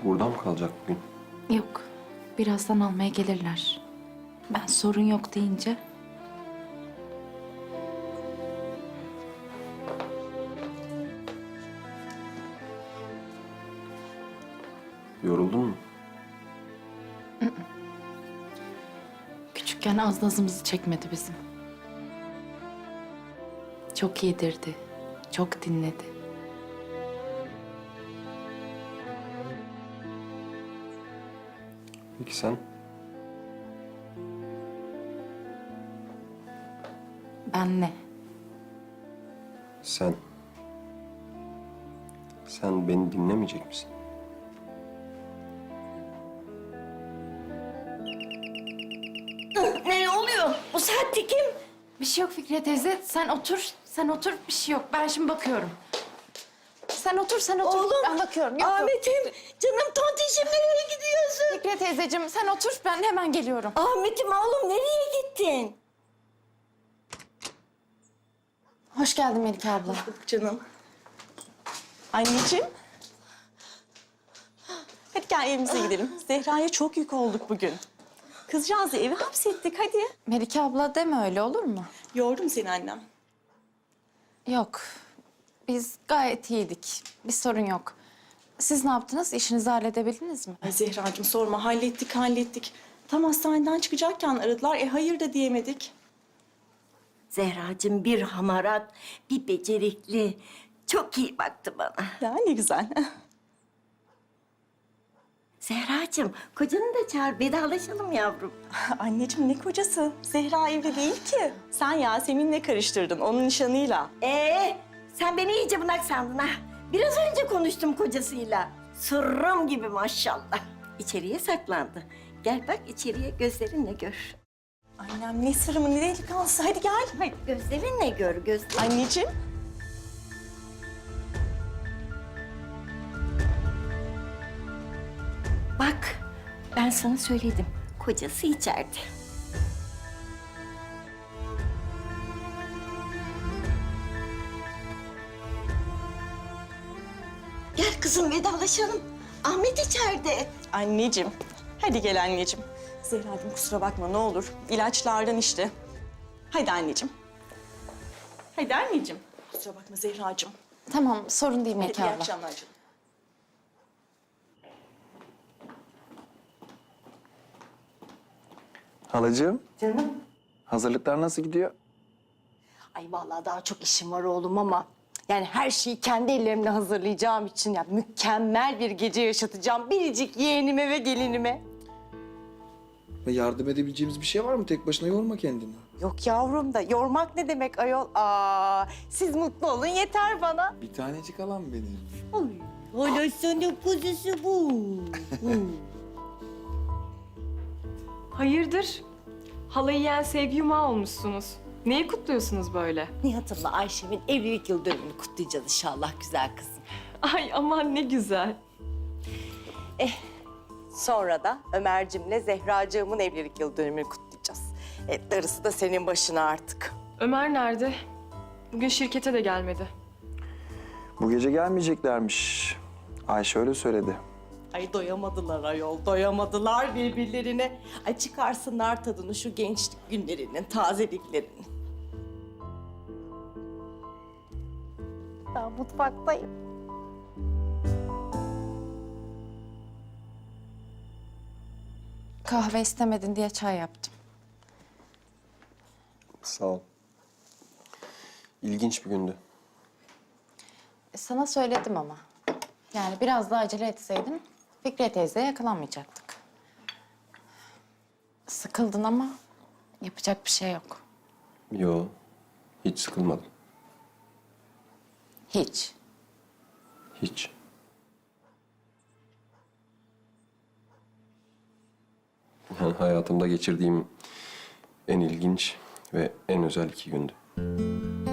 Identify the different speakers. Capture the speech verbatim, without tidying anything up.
Speaker 1: Burada mı kalacak bugün?
Speaker 2: Yok. Birazdan almaya gelirler. Ben sorun yok deyince.
Speaker 1: Yoruldun mu?
Speaker 2: Küçükken az nazımızı çekmedi bizim. Çok yedirdi. Çok dinledi.
Speaker 1: Peki sen?
Speaker 2: Ben ne?
Speaker 1: Sen. Sen beni dinlemeyecek misin?
Speaker 3: Ne oluyor? Bu saatte kim?
Speaker 2: Bir şey yok Fikriye teyze. Sen otur. Sen otur. Bir şey yok. Ben şimdi bakıyorum. Sen otur, sen otur.
Speaker 3: Oğlum.
Speaker 2: Ben bakıyorum. Yok, yok.
Speaker 3: Ahmet'im, canım tontişim nereye gidiyorsun?
Speaker 2: Fikriye teyzeciğim sen otur. Ben hemen geliyorum.
Speaker 3: Ahmet'im oğlum nereye gittin?
Speaker 2: Hoş geldin Melike abla.
Speaker 4: Canım. Anneciğim. Hadi gel evimize gidelim. Zehra'ya çok yük olduk bugün. Kızcağızı eve hapsettik hadi.
Speaker 2: Melike abla deme öyle olur mu?
Speaker 4: Yordum seni annem.
Speaker 2: Yok. Biz gayet iyiydik. Bir sorun yok. Siz ne yaptınız? İşinizi halledebildiniz mi?
Speaker 4: Ay Zehracığım sorma hallettik hallettik. Tam hastaneden çıkacakken aradılar. E hayır da diyemedik.
Speaker 3: Zehracığım bir hamarat, bir becerikli. Çok iyi baktı bana.
Speaker 4: Ya ne güzel.
Speaker 3: Zehracığım, kocanı da çağır, vedalaşalım yavrum.
Speaker 4: Anneciğim ne kocası? Zehra evli değil ki. Sen Yasemin'le karıştırdın onun nişanıyla.
Speaker 3: Ee, sen beni iyice bunak sandın ha. Biraz önce konuştum kocasıyla. Sırrım gibi maşallah. İçeriye saklandı. Gel bak içeriye gözlerinle gör.
Speaker 4: Annem ne sırrımı ne delikanlısı. Hadi gel.
Speaker 3: Hadi gözlerinle gör, gözlerinle.
Speaker 4: Anneciğim.
Speaker 3: Bak, ben sana söyledim. Kocası içeride. Gel kızım vedalaşalım. Ahmet içeride.
Speaker 4: Anneciğim. Hadi gel anneciğim. Zehra'cığım kusura bakma ne olur. İlaçlardan işte. Hadi anneciğim. Hadi anneciğim. Kusura bakma Zehra'cığım.
Speaker 2: Tamam, sorun değil
Speaker 4: Hadi
Speaker 2: Melike
Speaker 4: iyi
Speaker 2: abla.
Speaker 4: akşamlar canım.
Speaker 5: Halacığım,
Speaker 6: Canım.
Speaker 5: hazırlıklar nasıl gidiyor?
Speaker 6: Ay vallahi daha çok işim var oğlum ama yani her şeyi kendi ellerimle hazırlayacağım için ya mükemmel bir gece yaşatacağım biricik yeğenime ve gelinime.
Speaker 5: Ve yardım edebileceğimiz bir şey var mı? Tek başına yorma kendini.
Speaker 6: Yok yavrum da yormak ne demek ayol? Aa, siz mutlu olun yeter bana.
Speaker 5: Bir tanecik alan benim.
Speaker 3: Hala sana kuzusu bu.
Speaker 7: Hayırdır? Halayı yiyen sevgi yumağı olmuşsunuz. Neyi kutluyorsunuz böyle?
Speaker 6: Nihat'ımla Ayşem'in evlilik yıl dönümünü kutlayacağız inşallah güzel kızım.
Speaker 7: Ay aman ne güzel.
Speaker 6: Sonra da Ömer'cimle Zehracığımın evlilik yıl dönümünü kutlayacağız. Evet, darısı da senin başına artık.
Speaker 7: Ömer nerede? Bugün şirkete de gelmedi.
Speaker 5: Bu gece gelmeyeceklermiş. Ayşe öyle söyledi.
Speaker 4: Ay doyamadılar ayol, doyamadılar birbirlerine. Ay çıkarsınlar tadını şu gençlik günlerinin, tazeliklerinin.
Speaker 6: Ben mutfaktayım.
Speaker 2: Kahve istemedin diye çay yaptım.
Speaker 1: Sağ ol. İlginç bir gündü.
Speaker 2: E, sana söyledim ama. Yani biraz daha acele etseydim Fikriye teyzeye yakalanmayacaktık. Sıkıldın ama yapacak bir şey yok.
Speaker 1: Yo, hiç sıkılmadım.
Speaker 2: Hiç.
Speaker 1: Hiç. Yani hayatımda geçirdiğim en ilginç ve en özel iki gündü.